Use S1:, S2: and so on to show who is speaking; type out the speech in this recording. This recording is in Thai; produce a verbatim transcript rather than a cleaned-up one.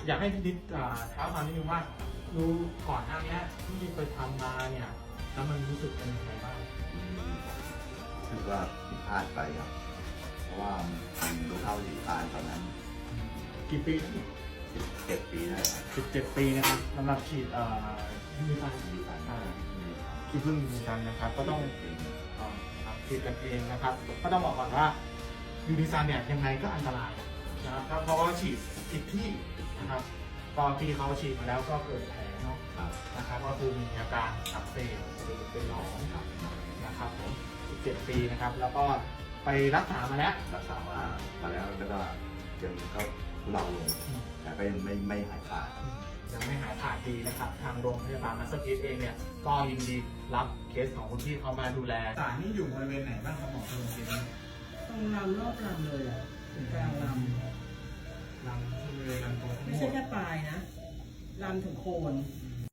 S1: อยากให้พี่นิดเท้าความนิดนึงว่ารู้ก่อนหน้านี้ที่ไปทำมาเนี่ยแล้วมันรู้สึกเป็นยังไงบ้าง
S2: คือว่าผิดพลาดไปครับเพราะว่ามันรู้เท่าถึงการตอนนั้น
S1: กี่ปี
S2: เจ็ดปีได้ครับ
S1: สิบเจ็ดปีนะครับสำหรับฉีดมีการ
S2: มีการ
S1: ที่เพิ่งมีกันนะครับก็ต้องฉีดกันเองนะครับก็ต้องบอกก่อนว่ายูนิซันเนี่ยยังไงก็อันตรายนะครับเพราะว่าฉีดผิดที่นะครับตอนที่เขาฉีดมาแล้วก็เกิดแผลเนาะ
S2: ครับ
S1: นะครับก็คือมีอาการอักเสบหรือเป็นหนองนะครับผมสิบเจ็ดปีนะครับแล้วก็ไปรักษามาแล้ว
S2: รักษามามาแล้วแล้วก็ยังก็ทุเลาลงแต่ก็ยังไม่ไม่หายขาด
S1: ยังไม่หายขาดดีนะครับทางโรงพยาบาลมัสเตอร์พีซเองเนี่ยก็ยินดีรับเคสของคุณพี่เขามาดูแลสารนี่อยู่บริเวณไหนบ้างครับหมอคุณลุงเนี้
S3: ตรงลำรอบลำเลยอ่ะถึงกลางล
S1: ลำบริเวณลำตัวทั้
S3: ำ
S1: ง
S3: ไม่
S1: หม
S3: ใช่
S1: ด
S3: แค่ปลายนะลำถึงโคน
S1: อื